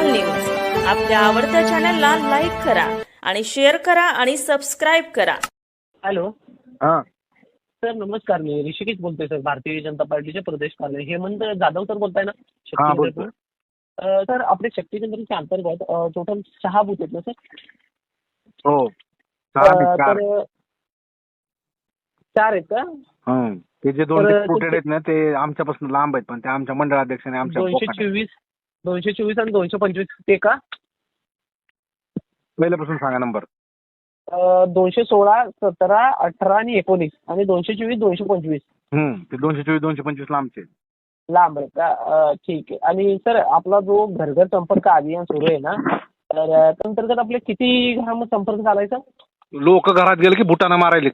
विशाल news आपल्या आवडत्या चॅनलला लाईक करा आणि शेअर करा आणि सबस्क्राईब करा. हॅलो हा सर, नमस्कार. मी ऋषिकेश बोलतोय सर, भारतीय जनता पार्टीचे प्रदेश कार्यालय. हेमंत जाधव सर बोलताय ना? हा, शक्ती बोलतोय. केंद्रातून. सर, आपले शक्ती केंद्राच्या अंतर्गत टोटल 6 बूथ आहेत ना सर? हो 6 ते 4. तर 4 आहेत का? ते जे 2 तर डिप्युटेड आहेत ना ते आमच्यापासून लांब आहेत, पण ते आमच्या मंडळाध्यक्षाने आमच्या बोकाटात. 224 आणि 225 ते का? पहिल्यापासून सांगा नंबर. 216, 17, 18 आणि 19 आणि 224, 225 ते 224 225 लांबचे. लांब आहे का? ठीक आहे. आणि सर, आपला जो घर संपर्क अभियान सुरू आहे ना, तर त्या अंतर्गत आपले किती घरामध्ये संपर्क झालाय सर? लोक घरात गेले की बुटाना मारायले.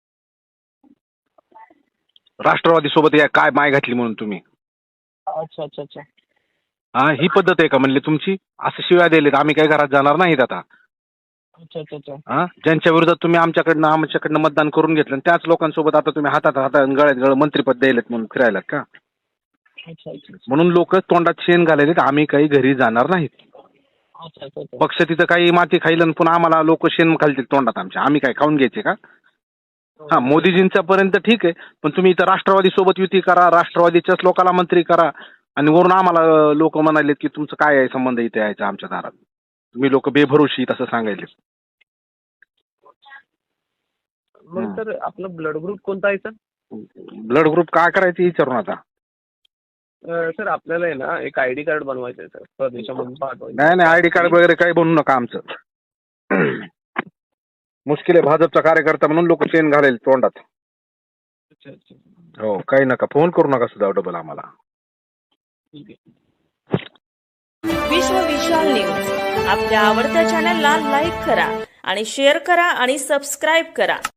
राष्ट्रवादी सोबत या काय माय घातली म्हणून तुम्ही. अच्छा अच्छा अच्छा. हा, ही पद्धत आहे का म्हणली तुमची? असं शिव्या दिलेत, आम्ही काही घरात जाणार नाहीत आता. अच्छा अच्छा अच्छा. हा, ज्यांच्या विरोधात तुम्ही आमच्याकडनं मतदान करून घेतलं आणि त्याच लोकांसोबत आता तुम्ही हातात गळ्यात गळ मंत्रीपद द्यायलेत म्हणून फिरायला का? अच्छा अच्छा. म्हणून लोक तोंडात शेण घालायलेत, आम्ही काही घरी जाणार नाहीत. अच्छा अच्छा अच्छा. पक्ष तिथं काही माती खाईल आणि पुन्हा आम्हाला लोक शेण घालतील तोंडात आमच्या, आम्ही काय खाऊन घ्यायचे का? हा, मोदीजींच्या पर्यंत ठीक आहे, पण तुम्ही इथं राष्ट्रवादी सोबत युती करा, राष्ट्रवादीच्याच लोकांना मंत्री करा आणि वरून आम्हाला लोक म्हणालेत की तुमचं काय आहे संबंध इथे यायचा आमच्या दारात. तुम्ही लोक बेभरोशी तसं सांगायले. मग सर, आपला ब्लड ग्रुप कोणता आहे सर? ब्लड ग्रुप काय करायचं विचारून आता. सर, आपल्याला आहे ना एक आयडी कार्ड बनवायचं आहे सर, प्रदेशामधून पाठवायचं. नाही आयडी कार्ड वगैरे काही बनवू नका आमचं. मुश्किल आहे, भाजपचा कार्यकर्ता म्हणून लोक चेन घालेल तोंडात. अच्छा अच्छा. हो, काही नका, फोन करू नका सुद्धा डबल आम्हाला. ठीक आहे. विश्व विशाल न्यूज आपल्या आवडत्या चॅनलला लाईक करा आणि शेअर करा आणि सबस्क्राईब करा.